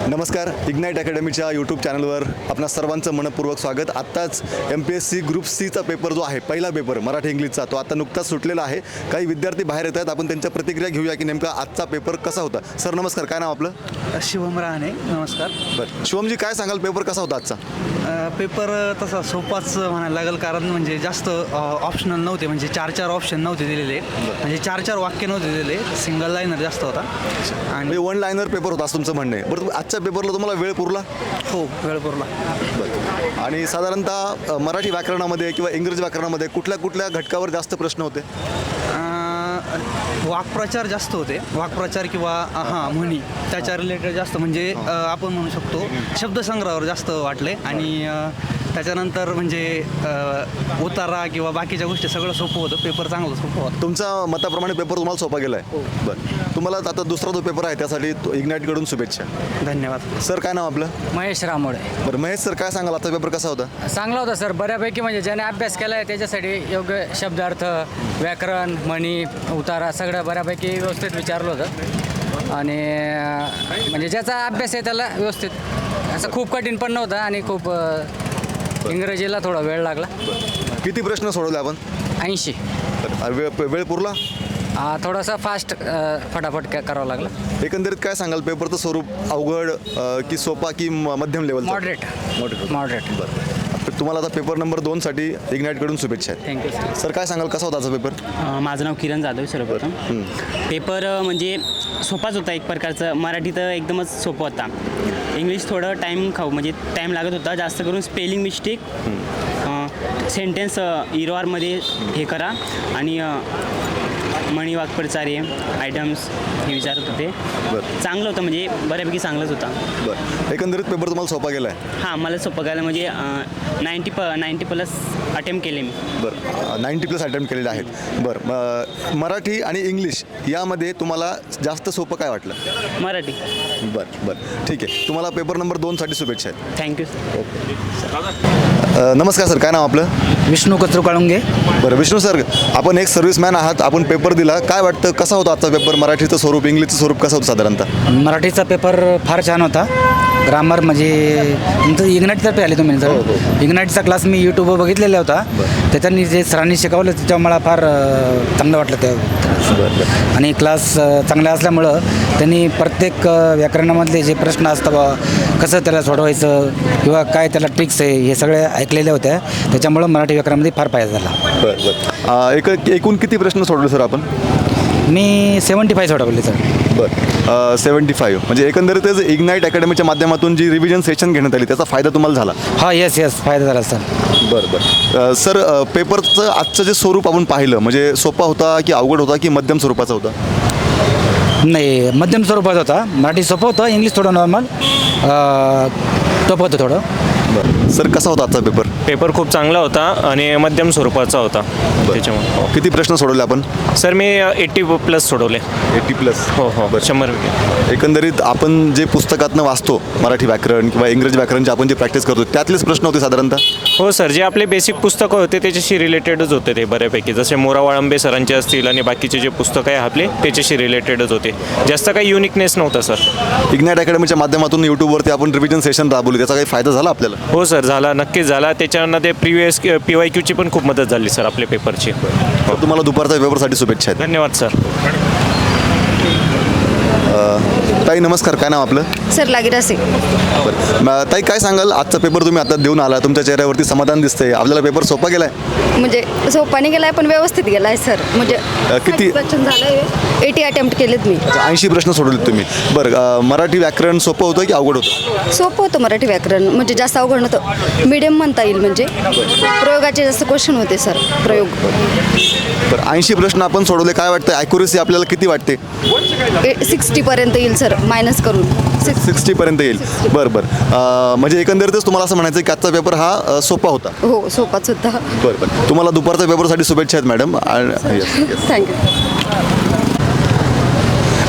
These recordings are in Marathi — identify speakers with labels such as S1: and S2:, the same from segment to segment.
S1: नमस्कार, इग्नाईट अकॅडमीच्या यूट्यूब चॅनलवर आपणा सर्वांचं मनपूर्वक स्वागत. आत्ताच MPSC ग्रुप सीचा पेपर जो आहे, पहिला पेपर मराठी इंग्लिशचा, तो आता नुकताच सुटलेला आहे. काही विद्यार्थी बाहेर येत आहेत, आपण त्यांच्या प्रतिक्रिया घेऊया की नेमका आजचा पेपर कसा होता. सर नमस्कार, काय नाव आपलं?
S2: शिवम राहणे. नमस्कार.
S1: बरं शिवमजी, काय सांगाल, पेपर कसा होता आजचा?
S2: पेपर तसा सोपाच म्हणायला लागेल, कारण म्हणजे जास्त ऑप्शनल नव्हते, म्हणजे चार ऑप्शन नव्हते दिलेले, म्हणजे चार वाक्य नव्हते दिलेले, सिंगल लाईनर जास्त होता
S1: आणि वन लाईनर पेपर होता असं तुमचं म्हणणं आहे. बरं, आजच्या पेपरला तुम्हाला वेळ पुरला?
S2: हो, वेळ पुरला.
S1: बरं, आणि साधारणतः मराठी व्याकरणामध्ये किंवा इंग्रजी व्याकरणामध्ये कुठल्या कुठल्या घटकावर जास्त प्रश्न होते?
S2: वाक्प्रचार जास्त होते, वाक्प्रचार किंवा म्हणी त्याच्या रिलेटेड जास्त, म्हणजे आपण म्हणू शकतो शब्दसंग्रहावर जास्त वाटले. आणि त्याच्यानंतर म्हणजे उतारा किंवा बाकीच्या गोष्टी सगळं सोपं होतं. पेपर चांगलं सोपं होतं.
S1: तुमच्या मताप्रमाणे पेपर तुम्हाला सोपा गेला आहे? बरं, तुम्हाला आता दुसरा जो पेपर आहे त्यासाठी इग्नाईटकडून शुभेच्छा.
S2: धन्यवाद.
S1: सर काय नाव आपलं?
S3: महेश रामोडे.
S1: बरं महेश सर, काय सांगाल, आता पेपर कसा होता?
S3: चांगला होता सर, बऱ्यापैकी. म्हणजे ज्याने अभ्यास केला आहे त्याच्यासाठी योग्य शब्दार्थ, व्याकरण, म्हणी, उतारा सगळं बऱ्यापैकी व्यवस्थित विचारलं होतं. आणि म्हणजे ज्याचा अभ्यास आहे त्याला व्यवस्थित, असं खूप कठीण पण नव्हतं आणि खूप इंग्रजीला थोडा वेळ लागला.
S1: किती प्रश्न सोडवले आपण?
S3: 80.
S1: वेळ पुरला?
S3: थोडासा फास्ट फटाफट करावं लागलं.
S1: एकंदरीत काय सांगाल, पेपरचं स्वरूप अवघड की सोपा की मध्यम लेवल?
S3: मॉडरेट.
S1: बरं, तुम्हाला आता पेपर नंबर 2साठी इग्नाईटकडून शुभेच्छा आहेत.
S3: Thank you sir.
S1: सर काय सांगाल, कसा होता आजचा पेपर?
S4: माझं नाव किरण जाधव. सर्वप्रथम पेपर म्हणजे सोपाच होता एक प्रकारचं. मराठी तर एकदमच सोपं होता. इंग्लिश थोडं टाईम म्हणजे टाईम लागत होता, जास्त करून स्पेलिंग मिस्टेक, सेंटेन्स इरॉरमध्ये हे करा, आणि मणी, वाक्प्रचारे, आयटम्स हे विचारत होते. चांगलं होतं, म्हणजे बऱ्यापैकी चांगलंच होता.
S1: बरं, एकंदरीत पेपर तुम्हाला सोपा गेला आहे?
S4: हां, मला सोपं गेलं, म्हणजे 90+ अटेम्प्ट केले मी.
S1: बरं, 90+ अटेम्प्ट केलेले आहेत. बरं, मराठी आणि इंग्लिश यामध्ये तुम्हाला जास्त सोपं काय वाटलं?
S4: मराठी.
S1: बरं, ठीक आहे. तुम्हाला पेपर नंबर 2साठी शुभेच्छा आहेत.
S4: थँक्यू
S1: नमस्कार सर, काय नाव आपलं?
S2: विष्णू कचरू काळुंगे.
S1: बरं विष्णू सर, आपण एक सर्व्हिसमॅन आहात, आपण पेपर दिला, काय वाटतं कसा होता आजचा पेपर? मराठीचं स्वरूप, इंग्लिशचं स्वरूप कसं होतं साधारणतः?
S5: मराठीचा पेपर फार छान होता. ग्रामर म्हणजे तुमचं इग्नाईटतर्फे आले तुम्ही जर इग्नाईटचा क्लास मी यूट्यूबवर बघितलेला होता. त्याच्यानी जे सरांनी शिकवलं त्याच्यामुळे मला फार चांगलं वाटलं ते. आणि क्लास चांगला असल्यामुळं त्यांनी प्रत्येक व्याकरणामधले जे प्रश्न असतात कसं त्याला सोडवायचं किंवा काय त्याला ट्रिक्स आहे हे सगळे ऐकलेल्या होत्या. त्याच्यामुळं मराठी व्याकरणामध्ये फार फायदा झाला.
S1: बरं, एकूण किती प्रश्न सोडवले सर आपण?
S5: मी 75 सोडवले सर.
S1: बरं, 75 म्हणजे एकंदरीतच इग्नाईट अकॅडमीच्या माध्यमातून जी रिव्हिजन सेशन घेण्यात आली त्याचा फायदा तुम्हाला झाला?
S5: हा, येस फायदा झाला सर.
S1: बरं, सर पेपरचं आजचं जे स्वरूप आपण पाहिलं, म्हणजे सोपा होता की अवघड होता की मध्यम स्वरूपाचा होता?
S5: नाही, मध्यम स्वरूपात होता. मराठी सोपं होतं, इंग्लिश थोडं नॉर्मल टफ होतं थोडं.
S1: बरं, सर कसा होता आजचा पेपर?
S6: पेपर खूप चांगला होता आणि मध्यम स्वरूपाचा होता. त्याच्यामुळे
S1: किती प्रश्न सोडवले आपण?
S6: सर मी 80+ सोडवले.
S1: 80+?
S6: हो, 100%.
S1: एकंदरीत आपण जे पुस्तकातनं वाचतो मराठी व्याकरण किंवा इंग्रजी व्याकरणचे आपण जे प्रॅक्टिस करतो त्यातलेच प्रश्न होते साधारणतः?
S6: हो सर, जे आपले बेसिक पुस्तकं होते त्याच्याशी रिलेटेडच होते ते बऱ्यापैकी. जसे मोरा वाळंबे सरांचे असतील आणि बाकीचे जे पुस्तकं आहे आपले त्याच्याशी रिलेटेडच होते. जास्त काही युनिकनेस नव्हता सर.
S1: इग्नाईट अकॅडमीच्या माध्यमातून यूट्यूबवरती आपण रिव्हिजन सेशन राबवली, त्याचा काही फायदा झाला आपल्याला?
S6: हो सर, झाला, नक्कीच झाला. त्याच्यामध्ये प्रिव्हियस PYQची पण खूप मदत झाली सर आपल्या पेपरची.
S1: तुम्हाला दुपारच्या पेपरसाठी शुभेच्छा आहेत.
S6: धन्यवाद सर.
S1: ताई नमस्कार, काय नाव आपलं?
S7: सर लागिरासे.
S1: बरं, ताई काय सांगाल, आजचा पेपर तुम्ही आता देऊन आला, तुमच्या चेहऱ्यावरती समाधान दिसतंय, आपल्याला पेपर सोपा गेलाय?
S7: म्हणजे सोपाने गेलाय पण व्यवस्थित गेलाय सर. म्हणजे
S1: किती
S7: क्वेश्चन झालंय? 80 अटेम्प्ट केलेत मी.
S1: 80 प्रश्न सोडवलेत तुम्ही. बरं, मराठी व्याकरण सोपं होतं की अवघड होतं?
S7: सोपं होतं मराठी व्याकरण, म्हणजे जास्त अवघड नव्हतं, मीडियम म्हणता येईल. म्हणजे प्रयोगाचे जास्त क्वेश्चन होते सर, प्रयोग.
S1: बरं, 80 प्रश्न आपण सोडवले, काय वाटतं ॲक्युरेसी आपल्याला किती वाटते?
S7: 60पर्यंत येईल सर, मायनस करून
S1: 60पर्यंत येईल. बरं, म्हणजे एकंदरीतच तुम्हाला असं म्हणायचं की आजचा पेपर हा सोपा होता?
S7: हो, सोपाच होता.
S1: बरं, तुम्हाला दुपारच्या पेपरसाठी शुभेच्छा आहेत मॅडम.
S7: थँक्यू.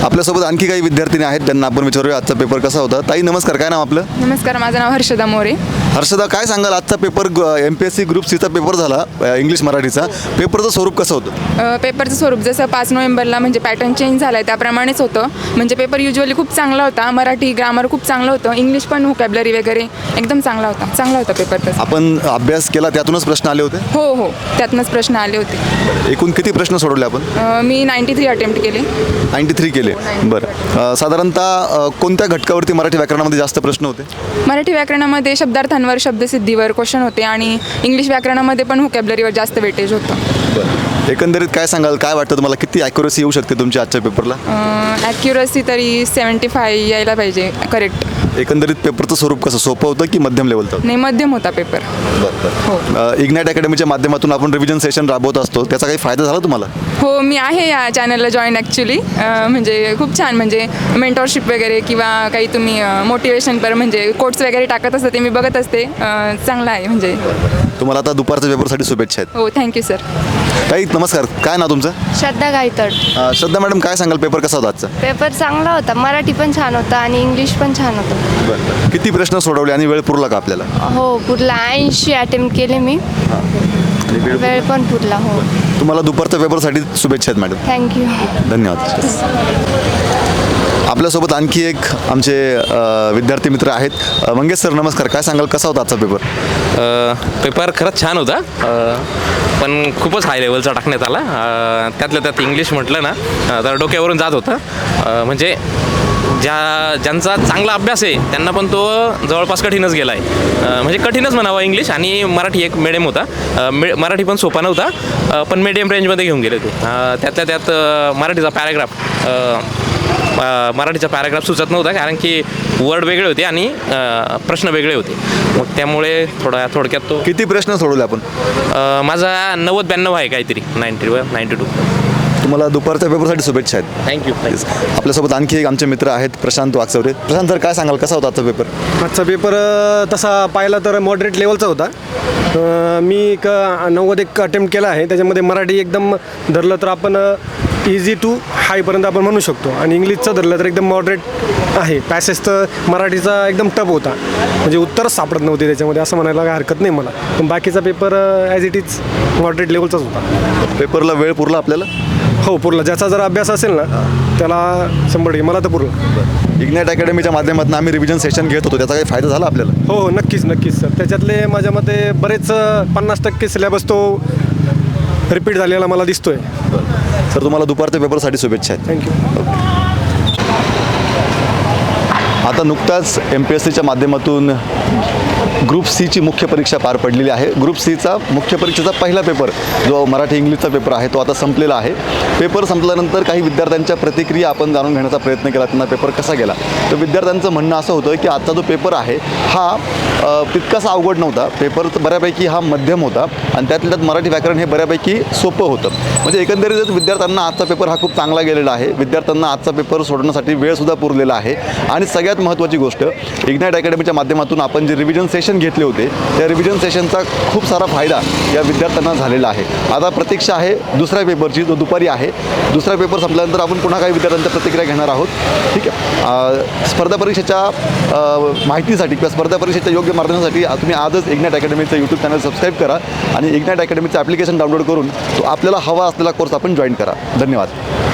S1: आपल्यासोबत आणखी काही विद्यार्थिनी आहेत त्यांना आपण विचारूया आजचा पेपर कसा होता. ताई नमस्कार, काय नाव आपलं?
S8: नमस्कार, माझं नाव हर्षदा मोरे.
S1: हर्षदा, काय सांगाल आजचा पेपर MPSC ग्रुप सीचा पेपर झाला इंग्लिश मराठीचा. पेपरचं स्वरूप कसं होतं?
S8: पेपरचं स्वरूप जसं 5 नोव्हेंबरला म्हणजे पॅटर्न चेंज झाला आहे त्याप्रमाणेच होतं. म्हणजे पेपर युजली खूप चांगला होता. मराठी ग्रामर खूप चांगलं होतं. इंग्लिश पण व्होकॅब्लरी वगैरे एकदम चांगला होता पेपर तसा.
S1: आपण अभ्यास केला त्यातूनच प्रश्न आले होते?
S8: हो, त्यातनंच प्रश्न आले होते.
S1: एकूण किती प्रश्न सोडवले आपण?
S8: मी 93 अटेम्प्ट केले.
S1: 93 केले. बरं, साधारणतः कोणत्या घटकावरती मराठी व्याकरणामध्ये जास्त प्रश्न होते?
S8: मराठी व्याकरणामध्ये शब्दार्थांवर, शब्दसिद्धीवर क्वेश्चन होते आणि इंग्लिश व्याकरणामध्ये पण व्होकॅब्लरीवर जास्त वेटेज होतं.
S1: बरं, एकंदरीत काय सांगाल, काय वाटतं तुम्हाला, किती ॲक्युरसी येऊ शकते तुमच्या आजच्या पेपरला?
S8: ॲक्युरसी तरी 75 यायला पाहिजे करेक्ट.
S1: एकंदरीत पेपरचं स्वरूप कसं, सोपं होतं की मध्यम लेवलचं?
S8: नाही, मध्यम होता पेपर. हो.
S1: इग्नाईट अकॅडमीच्या माध्यमातून आपण रिव्हिजन सेशन राबवत असतो, त्याचा काही फायदा झाला तुम्हाला?
S8: हो, मी आहे या चॅनलला जॉईन ॲक्च्युली. म्हणजे खूप छान, म्हणजे मेंटॉरशिप वगैरे किंवा काही तुम्ही मोटिवेशन पर म्हणजे कोट्स वगैरे टाकत असते ते मी बघत असते. चांगलं आहे म्हणजे.
S1: तुम्हाला आता दुपारच्या पेपरसाठी शुभेच्छा आहेत.
S8: हो, थँक्यू सर.
S1: ताई नमस्कार, काय नाव तुमचं?
S9: श्रद्धा गायतड.
S1: श्रद्धा मॅडम, काय सांगाल पेपर कसा होता आजचा?
S9: पेपर चांगला होता. मराठी पण छान होता आणि इंग्लिश पण छान होतं.
S1: बरं, किती प्रश्न सोडवले आणि वेळ पुरला का आपल्याला?
S9: हो, पुरला 80 अटेम्प्ट केले मी. वेळ पण पुरला. हो,
S1: तुम्हाला दुपारच्या पेपरसाठी शुभेच्छा आहेत मॅडम.
S9: थँक्यू.
S1: धन्यवाद. आपल्यासोबत आणखी एक आमचे विद्यार्थी मित्र आहेत. मंगेश सर नमस्कार, काय सांगाल कसा होता आजचा पेपर?
S10: पेपर खरंच छान होता, पण खूपच हाय लेवलचा टाकण्यात आला. त्यातल्या त्यात इंग्लिश म्हटलं ना तर डोक्यावरून जात होतं. म्हणजे ज्यांचा चांगला अभ्यास आहे त्यांना पण तो जवळपास कठीणच गेला आहे. म्हणजे कठीणच म्हणावा इंग्लिश. आणि मराठी एक मिडियम होता. मराठी पण सोपा नव्हता, पण मिडियम रेंजमध्ये घेऊन गेले ते. त्यातल्या त्यात मराठीचा पॅराग्राफ सुचत नव्हता, कारण की वर्ड वेगळे होते आणि प्रश्न वेगळे होते. मग त्यामुळे थोडक्यात तो.
S1: किती प्रश्न सोडवले आपण?
S10: माझा 90-92 आहे काहीतरी, 92.
S1: तुम्हाला दुपारच्या पेपरसाठी शुभेच्छा आहेत.
S10: थँक्यू.
S1: आपल्यासोबत आणखी एक आमचे मित्र आहेत, प्रशांत वागचौरे. प्रशांत सर, काय सांगाल कसा होता आजचा पेपर?
S11: आजचा पेपर तसा पाहिला तर मॉडरेट लेवलचा होता. मी एक 90 अटेम्प्ट केला आहे. त्याच्यामध्ये मराठी एकदम धरलं तर आपण इझी टू हायपर्यंत आपण म्हणू शकतो, आणि इंग्लिशचं धरलं तर एकदम मॉडरेट आहे. पॅसेज तर मराठीचा एकदम टफ होता, म्हणजे उत्तरच सापडत नव्हते त्याच्यामध्ये, असं म्हणायला काही हरकत नाही मला. पण बाकीचा paper as it is moderate लेवलचाच होता.
S1: पेपरला वेळ पुरला आपल्याला?
S11: हो, पुरला. ज्याचा जर अभ्यास असेल ना त्याला 100%. मला तर पुरला.
S1: इग्नाईट अकॅडमीच्या माध्यमातून आम्ही रिव्हिजन सेशन घेत होतो, त्याचा काही फायदा झाला आपल्याला?
S11: हो, नक्कीच सर. त्याच्यातले माझ्या मते बरेच 50% सिलेबस तो रिपीट झालेला मला दिसतोय.
S1: सर, तुम्हाला दुपारच्या पेपरसाठी शुभेच्छा आहेत.
S11: थँक्यू.
S1: आता नुकताच MPSCच्या माध्यमातून ग्रुप सीची मुख्य परीक्षा पार पडलेली आहे. ग्रुप सीचा मुख्य परीक्षेचा पहिला पेपर जो मराठी इंग्लिशचा पेपर आहे तो आता संपलेला आहे. पेपर संपल्यानंतर काही विद्यार्थ्यांच्या प्रतिक्रिया आपण जाणून घेण्याचा प्रयत्न केला, त्यांना पेपर कसा गेला. तर विद्यार्थ्यांचं म्हणणं असं होतं की आजचा जो पेपर आहे हा तितकासा अवघड नव्हता. पेपर बऱ्यापैकी हा मध्यम होता आणि त्यातल्या त्यात मराठी व्याकरण हे बऱ्यापैकी सोपं होतं. म्हणजे एकंदरीतच विद्यार्थ्यांना आजचा पेपर हा खूप चांगला गेलेला आहे. विद्यार्थ्यांना आजचा पेपर सोडवण्यासाठी वेळसुद्धा पुरलेला आहे. आणि सगळ्यात महत्त्वाची गोष्ट, इग्नाईट अकॅडमीच्या माध्यमातून आपण जे रिव्हिजन सेशन घेतले होते त्या रिव्हिजन सेशनचा खूप सारा फायदा या विद्यार्थ्यांना झालेला आहे. आता प्रतीक्षा आहे दुसऱ्या पेपरची, जो दुपारी आहे. दुसरा पेपर संपल्यानंतर आपण पुन्हा काही विद्यार्थ्यांच्या प्रतिक्रिया घेणार आहोत. ठीक आहे. स्पर्धा परीक्षेच्या माहितीसाठी किंवा स्पर्धा परीक्षेच्या योग्य मार्गदर्शनासाठी तुम्ही आजच इग्नाईट अकॅडमीचं यूट्यूब चॅनल सबस्क्राईब करा आणि इग्नाईट अकॅडमीचं ॲप्लिकेशन डाउनलोड करून तो आपल्याला हवा असलेला कोर्स आपण जॉईन करा. धन्यवाद.